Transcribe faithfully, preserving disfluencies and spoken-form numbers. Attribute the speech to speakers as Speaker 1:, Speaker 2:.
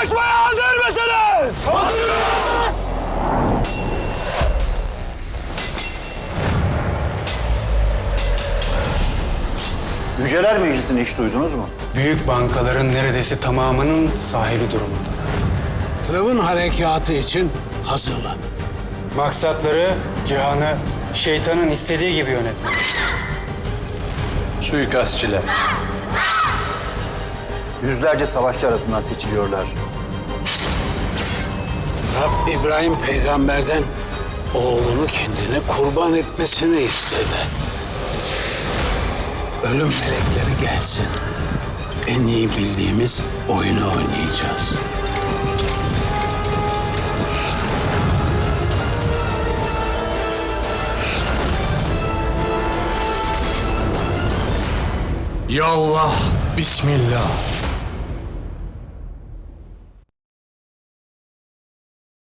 Speaker 1: Savaşmaya hazır mısınız? Hazırız!
Speaker 2: Yüceler Meclisi'ni hiç duydunuz mu?
Speaker 3: Büyük bankaların neredeyse tamamının sahibi durumunda.
Speaker 1: Firavun harekatı için hazırlanın.
Speaker 3: Maksatları cihanı şeytanın istediği gibi yönetmek.
Speaker 2: Suikastçiler. Yüzlerce savaşçı arasından seçiliyorlar.
Speaker 1: Rab İbrahim peygamberden oğlunu kendine kurban etmesini istedi. Ölüm melekleri gelsin. En iyi bildiğimiz oyunu oynayacağız.
Speaker 4: Yallah, Bismillah.